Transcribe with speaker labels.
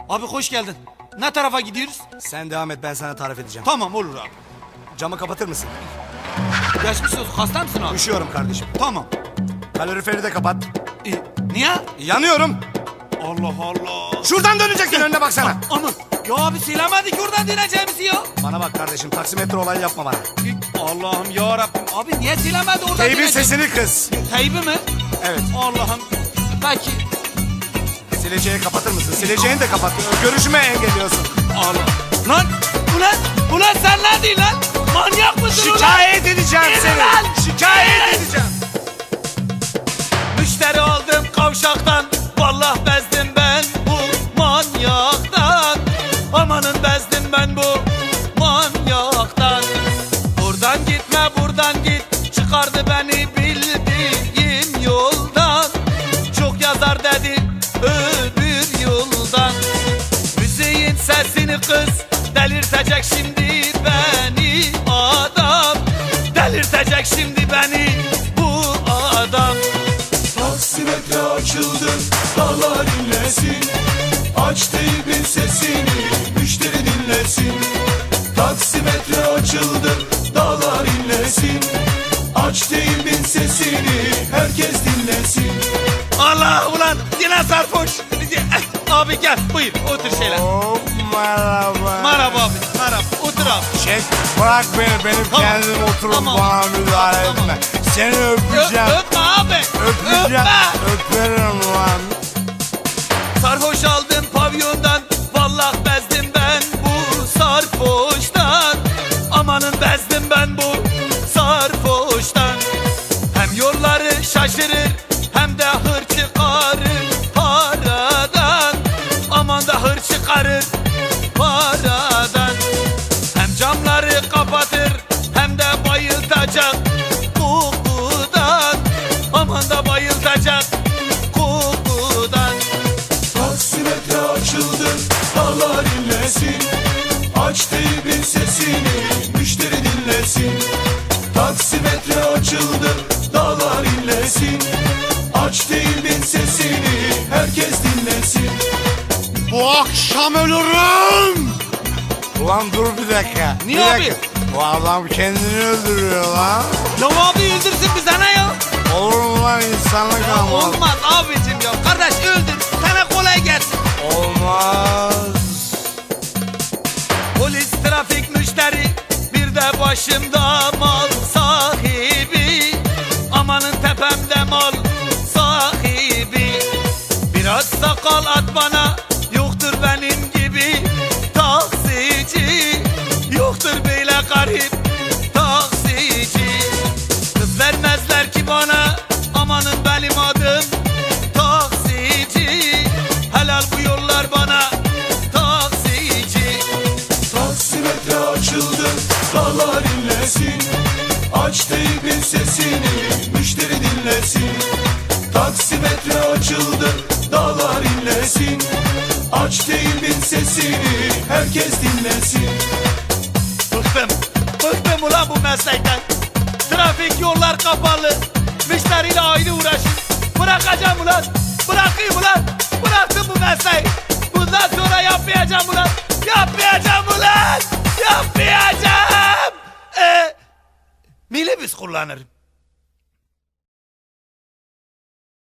Speaker 1: Abi hoş geldin. Ne tarafa gidiyoruz?
Speaker 2: Sen devam et, ben sana tarif edeceğim.
Speaker 1: Tamam olur abi.
Speaker 2: Camı kapatır mısın?
Speaker 1: Geçmiş olsun. Hasta mısın abi?
Speaker 2: Üşüyorum kardeşim.
Speaker 1: Tamam.
Speaker 2: Kaloriferi de kapat.
Speaker 1: Niye?
Speaker 2: Yanıyorum.
Speaker 1: Allah Allah.
Speaker 2: Şuradan döneceksin, önüne baksana.
Speaker 1: Aman. Ya abi söylemedik oradan döneceğimizi ya.
Speaker 2: Bana bak kardeşim, taksimetre olayı yapma bana.
Speaker 1: Allah'ım ya Rabbim. Abi niye söylemedi oradan
Speaker 2: Teybin
Speaker 1: döneceğimizi?
Speaker 2: sesini kız.
Speaker 1: Teybi mi?
Speaker 2: Evet.
Speaker 1: Allah'ım. Belki.
Speaker 2: Sileceği kapatır mısın? Sileceğini de kapat. Görüşüme engelliyorsun.
Speaker 1: Allah. Lan. Ulan sen ne diyorsun lan? Manyak mısın ulan?
Speaker 2: Şikayet edeceğim
Speaker 1: Yürü
Speaker 2: seni.
Speaker 1: lan!
Speaker 2: Şikayet edeceğim.
Speaker 1: Müşteri aldım kavşaktan. Vallahi bezdim ben bu manyaktan. Amanın bezdim ben bu manyaktan. Buradan gitme buradan git. Çıkardı beni bildiğim yoldan. Çok yazar dedi öbür yoldan. Müziğin sesini kız delirtecek şimdi beni adam. Delirtecek şimdi beni bu adam.
Speaker 3: Taksimetre açıldı, dağlar inlesin. Aç teybin sesini, müşteri dinlesin. Taksimetre açıldı, dağlar inlesin. Aç teybin sesini, herkes dinlesin.
Speaker 1: Allah ulan yine sarhoş. Abi gel buyur otur şöyle.
Speaker 2: Oh, merhaba.
Speaker 1: Merhaba abi merhaba otur abi.
Speaker 2: Çek, bırak beni. Benim
Speaker 1: Tamam.
Speaker 2: kendim oturup
Speaker 1: Tamam.
Speaker 2: bana müdahale
Speaker 1: Tamam.
Speaker 2: etme. Seni öpeceğim.
Speaker 1: Öpme abi.
Speaker 2: Öpeceğim.
Speaker 1: Öpme.
Speaker 2: Öperim lan.
Speaker 1: Sarhoş aldım pavyondan. Vallahi bezdim ben bu sarhoştan. Amanın bezdim ben bu sarhoştan. Hem yolları şaşırır hem de hır çıkarır paradan. Aman da hır çıkarır paradan. Hem camları kapatır hem de bayıltacak kokudan. Aman da bayıltacak kokudan.
Speaker 3: Taksimetre açıldı, dağlar inlesin. Aç teybin sesini, müşteri dinlesin. Taksimetre açıldı, dağlar inlesin. Aç teybin sesini, herkes dinlesin.
Speaker 2: Bu akşam ölürüm. Ulan dur bir dakika.
Speaker 1: Niye
Speaker 2: bir
Speaker 1: abi?
Speaker 2: dakika. Bu adam kendini öldürüyor lan.
Speaker 1: Ya abi öldürsün bize ne ya?
Speaker 2: Olur mu lan, insanlık almaz.
Speaker 1: Olmaz abicim ya. Kardeş öldür. Sana kolay gelsin.
Speaker 2: Olmaz.
Speaker 1: Polis, trafik, müşteri, bir de başımda mal sahibi. Amanın tepemde mal sahibi. Biraz sakal at bana, yoktur benim gibi taksici. Yoktur böyle garip taksici. Kız vermezler ki bana, amanın benim adım taksici. Helal bu yollar bana taksici.
Speaker 3: Taksimetre açıldı, dağlar inlesin. Aç teybin sesini, müşteri dinlesin. Taksimetre açıldı, dağlar inlesin. Aç teybin sesini, herkes dinlesin.
Speaker 1: Bıktım ulan bu meslekten. Trafik yollar kapalı. Müşteriyle ayrı uğraşın. Bırakacağım ulan. Bırakayım ulan. Bıraktım bu mesleği. Bundan sonra yapmayacağım ulan. Yapmayacağım ulan. Yapmayacağım. Minibüs kullanırım.